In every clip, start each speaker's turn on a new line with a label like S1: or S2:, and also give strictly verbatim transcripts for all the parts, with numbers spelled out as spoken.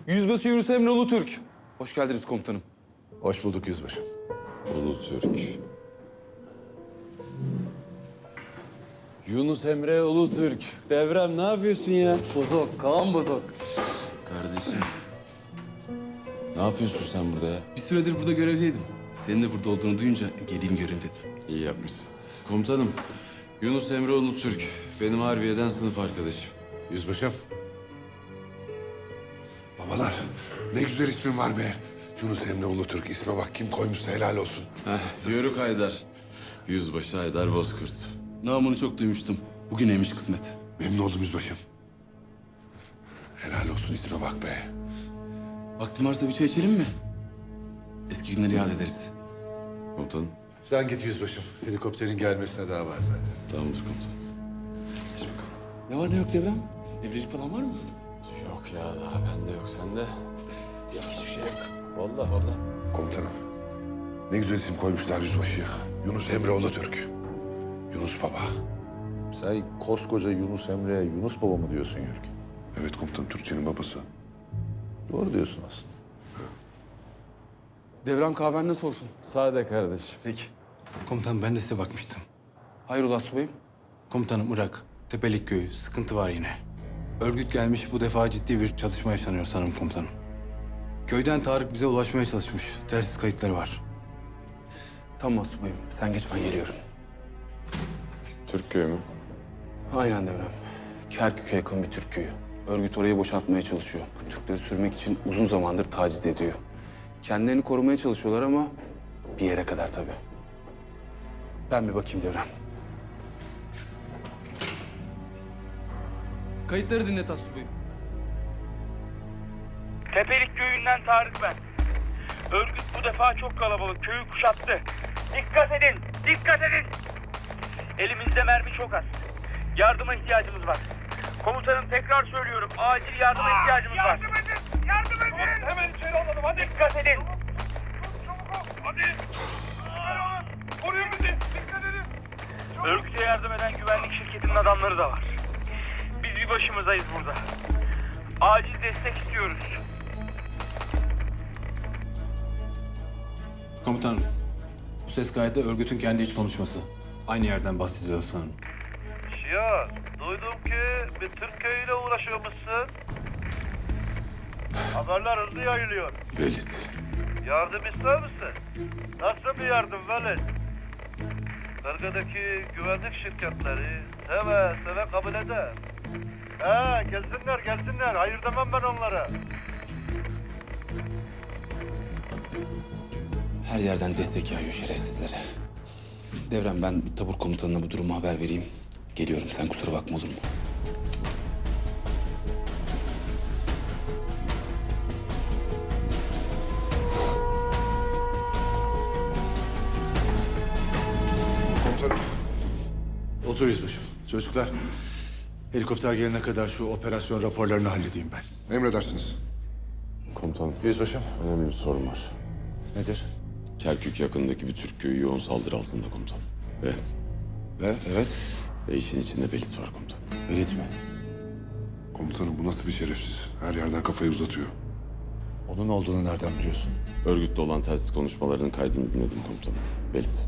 S1: Yüzbaşı Yunus Emre Ulutürk. Hoş geldiniz komutanım.
S2: Hoş bulduk yüzbaşım.
S3: Ulutürk. Yunus Emre Ulutürk. Devrem ne yapıyorsun ya?
S1: Bozok, Kaan Bozok.
S3: Kardeşim. Ne yapıyorsun sen burada ya?
S1: Bir süredir burada görevdeydim. Senin de burada olduğunu duyunca geleyim göreyim dedim.
S3: İyi yapmışsın. Komutanım, Yunus Emre Ulutürk. Benim harbiyeden sınıf arkadaşım.
S2: Yüzbaşım.
S4: Babalar, ne güzel ismin var be. Yunus Emre Ulutürk. İsme bak, kim koymuşsa helal olsun.
S3: Heh, Yörük Haydar. Yüzbaşı Haydar Bozkurt.
S1: Namını çok duymuştum. Bugüneymiş kısmet.
S4: Memnun oldum yüzbaşım. Helal olsun, isme bak be.
S1: Vaktin varsa bir çay içelim mi? Eski günleri yad ederiz.
S3: Komutanım.
S2: Sen git yüzbaşım. Helikopterin gelmesine daha var zaten.
S3: Tamamdır komutanım. Geç bakalım.
S1: Ne var ne yok Devrem? Evlilik falan var mı?
S3: Yok ya, daha bende yok. Sende? Yok, hiçbir şey yok. Vallahi vallahi.
S4: Komutanım, ne güzel isim koymuşlar yüzbaşıya. Yunus Emre Ulutürk. Yunus Baba.
S2: Sen koskoca Yunus Emre'ye Yunus Baba mı diyorsun Yörük?
S4: Evet komutanım, Türkçenin babası.
S2: Doğru diyorsun aslında.
S1: Devrem kahven nasıl olsun?
S3: Sade kardeşim.
S1: Peki.
S5: Komutanım ben de size bakmıştım.
S1: Hayrola subayım?
S5: Komutanım Irak, Tepelik Köyü, sıkıntı var yine. Örgüt gelmiş, bu defa ciddi bir çatışma yaşanıyor sanırım komutanım. Köyden Tarık bize ulaşmaya çalışmış. Telsiz kayıtları var.
S1: Tamam subayım. Sen geç ben geliyorum.
S3: Türk köyü mü?
S1: Aynen Devrem. Kerkük'e yakın bir Türk köyü. Örgüt orayı boşaltmaya çalışıyor. Türkleri sürmek için uzun zamandır taciz ediyor. Kendilerini korumaya çalışıyorlar ama bir yere kadar tabii. Ben bir bakayım Devrem. Kayıtları dinlet Asubayım.
S6: Tepelik köyünden Tarık ben. Örgüt bu defa çok kalabalık. Köyü kuşattı. Dikkat edin, dikkat edin. Elimizde mermi çok az. Yardıma ihtiyacımız var. Komutanım tekrar söylüyorum. Acil yardıma ihtiyacımız var. Yardım edin, yardım edin. Hemen içeri alalım, hadi. Dikkat edin. Çabuk ol, hadi. Koruyun bizi, dikkat edin. Örgüte yardım eden güvenlik şirketinin adamları da var. Biz bir başımızdayız burada. Acil destek istiyoruz.
S5: Komutanım, bu ses kaydı örgütün kendi iç konuşması. Aynı yerden bahsediliyor sanırım.
S6: Ya duydum ki bir Türk köyüyle uğraşıyormuşsun. Haberler hızlı yayılıyor.
S3: Velit.
S6: Yardım ister misin? Nasıl bir yardım Velit? Bölgedeki güvenlik şirketleri seve seve kabul eder. He gelsinler gelsinler. Hayır demem ben onlara.
S1: Her yerden destek yağıyor şerefsizlere. Devrem ben bir tabur komutanına bu durumu haber vereyim. Geliyorum sen kusura bakma olur mu?
S4: Komutanım,
S2: Otur yüzbaşım. Çocuklar, helikopter gelene kadar şu operasyon raporlarını halledeyim ben.
S4: emredersiniz.
S3: Komutanım.
S2: Yüzbaşım.
S3: Önemli bir sorun var.
S2: Nedir?
S3: Kerkük yakındaki bir Türk köyü yoğun saldırı altında komutanım. Ve,
S2: Ve evet.
S3: ve işin içinde Velit var komutanım.
S2: Velit mi?
S4: Komutanım, bu nasıl bir şerefsiz? Her yerden kafayı uzatıyor.
S2: Onun olduğunu nereden biliyorsun?
S3: Örgütle olan telsiz konuşmalarının kaydını dinledim komutanım. Velit.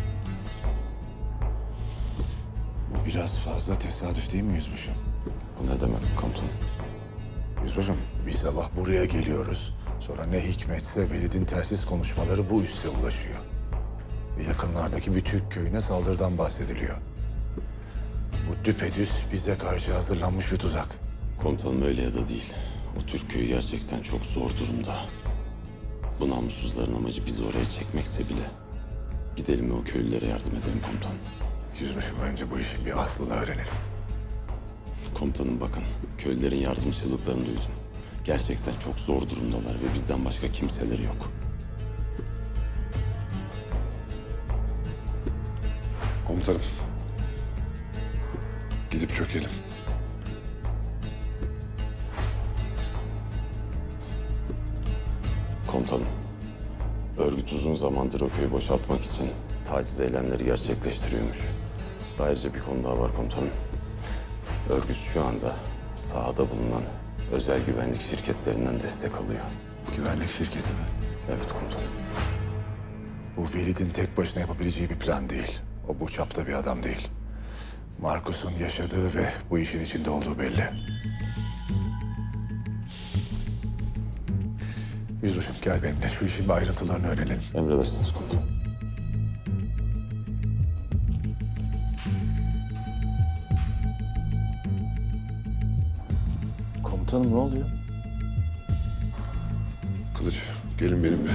S2: Bu biraz fazla tesadüf değil mi yüzbaşım?
S3: Bu ne demek komutanım?
S2: Yüzbaşım, bir sabah buraya geliyoruz. Sonra ne hikmetse Velid'in telsiz konuşmaları bu üsse ulaşıyor. Ve yakınlardaki bir Türk köyüne saldırıdan bahsediliyor. Bu düpedüz bize karşı hazırlanmış bir tuzak.
S3: Komutanım öyle ya da değil. O Türk köyü gerçekten çok zor durumda. Bu namussuzların amacı bizi oraya çekmekse bile gidelim ve o köylülere yardım edelim komutanım.
S2: Yüzbaşım, önce bu işin bir aslını öğrenelim.
S3: Komutanım bakın, köylülerin yardımcılıklarını duydum. Gerçekten çok zor durumdalar ve bizden başka kimseleri yok.
S4: Komutanım, gidip çökelim.
S3: Komutanım, örgüt uzun zamandır o köyü boşaltmak için taciz eylemleri gerçekleştiriyormuş. Ayrıca bir konu daha var komutanım. Örgüt şu anda sahada bulunan özel güvenlik şirketlerinden destek alıyor.
S2: Güvenlik şirketi mi?
S3: Evet komutanım.
S2: Bu Velid'in tek başına yapabileceği bir plan değil. O bu çapta bir adam değil. Markus'un yaşadığı ve bu işin içinde olduğu belli. Yüzbaşım gel benimle. Şu işin bir ayrıntılarını öğrenelim.
S3: Emredersiniz komutanım.
S1: Komutanım ne oluyor?
S4: Kılıç, gelin benimle.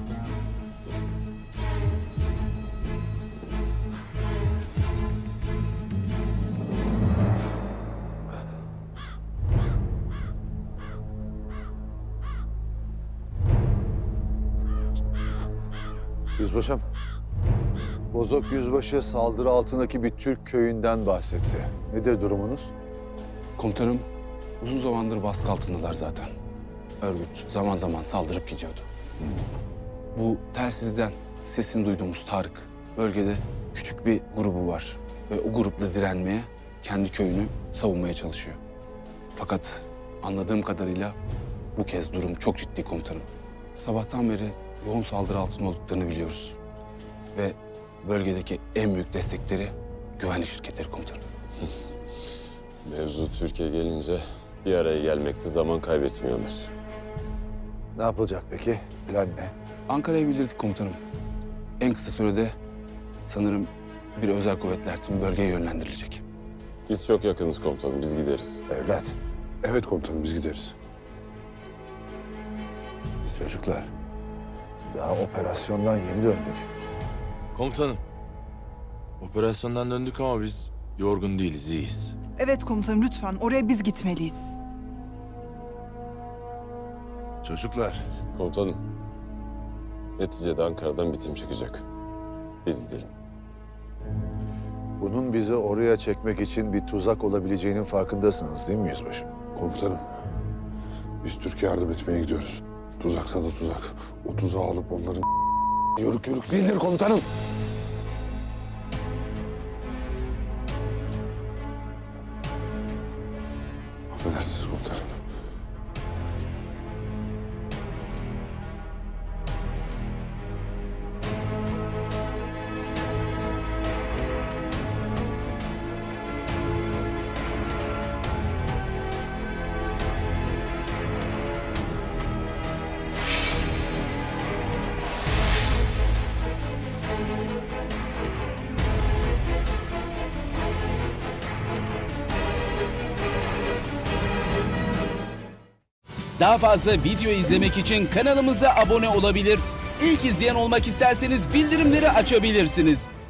S2: Yüzbaşım. Bozok Yüzbaşı saldırı altındaki bir Türk köyünden bahsetti. Nedir durumunuz?
S1: Komutanım, uzun zamandır baskı altındalar zaten. Örgüt zaman zaman saldırıp gidiyordu. Bu telsizden sesini duyduğumuz Tarık, bölgede küçük bir grubu var. Ve o grupla direnmeye, kendi köyünü savunmaya çalışıyor. Fakat anladığım kadarıyla bu kez durum çok ciddi komutanım. Sabahtan beri yoğun saldırı altında olduklarını biliyoruz. Ve bölgedeki en büyük destekleri güvenlik şirketleri komutanım.
S3: Mevzu Türkiye gelince bir araya gelmekte zaman kaybetmiyorlar.
S2: Ne yapılacak peki? Plan ne?
S1: Ankara'ya bildirdik komutanım. En kısa sürede sanırım bir özel kuvvetler timi bölgeye yönlendirilecek.
S3: Biz çok yakınız komutanım, biz gideriz.
S2: Evlat.
S4: Evet komutanım, biz gideriz.
S2: Çocuklar. Daha operasyondan yeni döndük.
S7: Komutanım. Operasyondan döndük ama biz yorgun değiliz, iyiyiz.
S8: Evet komutanım lütfen oraya biz gitmeliyiz.
S2: Çocuklar.
S3: Komutanım, neticede Ankara'dan bitim çıkacak. Biz gidelim.
S2: Bunun bizi oraya çekmek için bir tuzak olabileceğinin farkındasınız değil mi Yüzbaşım?
S4: Komutanım, biz Türkiye yardım etmeye gidiyoruz. Tuzaksa da tuzak. O tuzağı alıp onların yörük yörük değildir komutanım. Affedersiniz komutanım.
S9: Daha fazla video izlemek için kanalımıza abone olabilir. İlk izleyen olmak isterseniz bildirimleri açabilirsiniz.